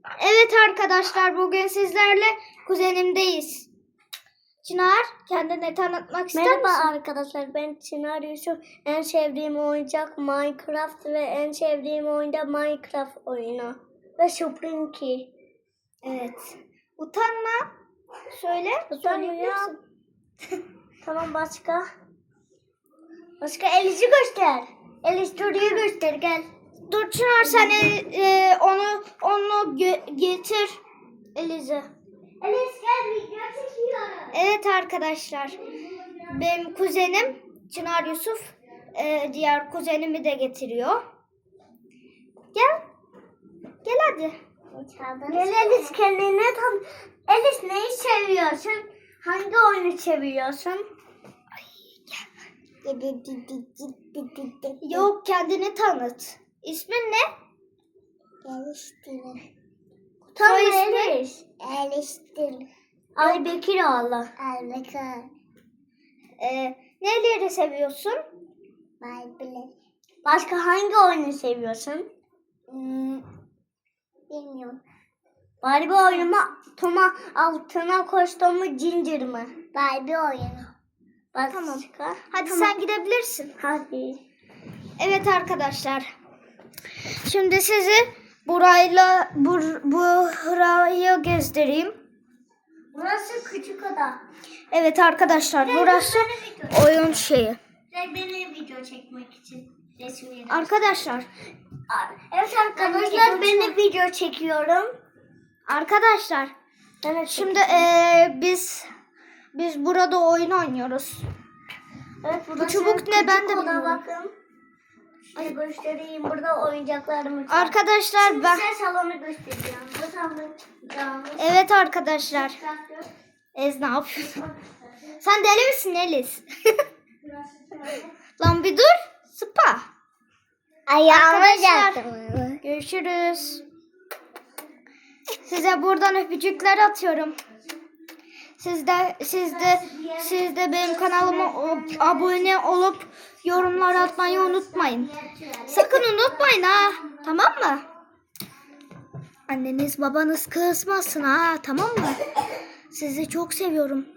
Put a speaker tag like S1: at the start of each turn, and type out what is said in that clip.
S1: Evet arkadaşlar, bugün sizlerle kuzenimdeyiz. Çınar, kendini tanıtmak ister misin?
S2: Merhaba arkadaşlar, ben Çınar Yusuf. En sevdiğim oyuncak Minecraft ve en sevdiğim oyunda Minecraft oyunu. Ve Sprinky.
S1: Evet. Utanma. Söyle.
S2: Utanmıyorum. Tamam, başka? Başka Eliz'i göster. Eliz Duru'yu göster, gel.
S1: Dur Çınar, sen onu getir Elize.
S2: Eliz gel, video çekiyorum.
S1: Evet arkadaşlar, benim kuzenim Çınar Yusuf diğer kuzenimi de getiriyor. Gel. Gel hadi.
S2: Gel Eliz, kendine tanı. Eliz, neyi seviyorsun? Hangi oyunu seviyorsun?
S1: Yok, kendini tanıt. İsmin ne?
S2: Tamam
S1: Soy ismi?
S2: Eliz. Ay Bekiroğlu.
S1: Neleri seviyorsun?
S2: Başka hangi oyunu seviyorsun?
S1: Bilmiyorum.
S2: Barbie oyunu mu? Toma altına koştuğumu Ginger mi?
S1: Barbie oyunu.
S2: Başka?
S1: Tamam. Hadi
S2: Tamam.
S1: sen gidebilirsin.
S2: Hadi.
S1: Evet arkadaşlar. Şimdi sizi burayı gezdireyim.
S2: Burası küçük oda.
S1: Evet arkadaşlar, burası oyun şeyi.
S2: Ve beni video çekmek için resim
S1: Arkadaşlar,
S2: Evet arkadaşlar, ben de video çekiyorum.
S1: arkadaşlar.
S2: Evet,
S1: Şimdi biz burada oyun oynuyoruz.
S2: evet,
S1: Bu çubuk ne, ben de bilmiyorum.
S2: Bakın. Şöyle göstereyim, burada oyuncaklarımız var.
S1: Arkadaşlar
S2: Şimdi
S1: ben
S2: size salonu göstereceğim. Bu salonumuz.
S1: evet arkadaşlar. Ez ne yapıyorsun? Sen deli misin Eliz? Lan bir dur. Sıpa. Arkadaşlar, görüşürüz. Size buradan öpücükler atıyorum. Siz de benim kanalıma abone olup yorumlar atmayı unutmayın. Sakın unutmayın ha. Tamam mı? Anneniz babanız kızmasın ha. Tamam mı? Sizi çok seviyorum.